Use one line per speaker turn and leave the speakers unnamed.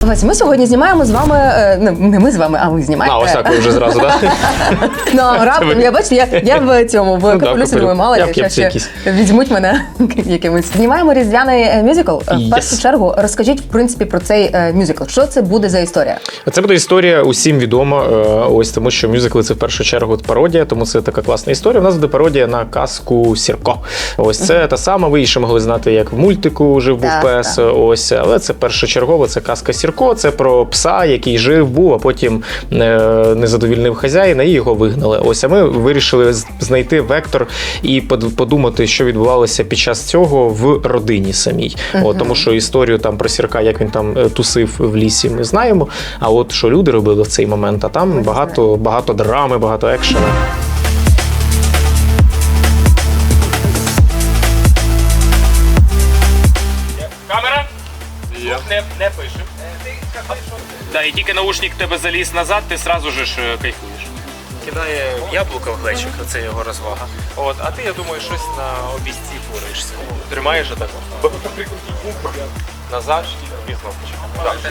Вась, ми сьогодні знімаємо з вами, не ми з вами, а ви знімаєте.
Ось так ви вже зразу, так?
Ну, раптом, я бачите, я в цьому, в капелюсі думаю, мало
Я
ли,
в кепці
ще візьмуть мене якимось. Знімаємо різдвяний мюзикл. В першу чергу розкажіть, в принципі, про цей мюзикл. Що це буде за історія?
Це буде історія усім відома, ось тому що мюзикли – це в першу чергу пародія, тому це така класна історія. У нас буде пародія на казку Сірко. Ось це та сама, ви ще могли знати, як в мультику «Жив-був пес», ось, але це першочергово, це казка Сірко, це про пса, який жив-був, а потім не задовільнив хазяїна і його вигнали. Ось, а ми вирішили знайти вектор і подумати, що відбувалося під час цього в родині самій. От, тому що історію там про Сірка, як він там тусив в лісі, ми знаємо, а от що люди робили в цей момент, а там багато драми, багато екшена.
Камера? Не пишемо. Да, і тільки наушник тебе заліз назад, ти сразу ж кайфуєш. Кидає яблуко в глечик, це його розвага. От, а ти, я думаю, щось на обійсці фуришся. Тримаєш отак. Назад і кнопочку.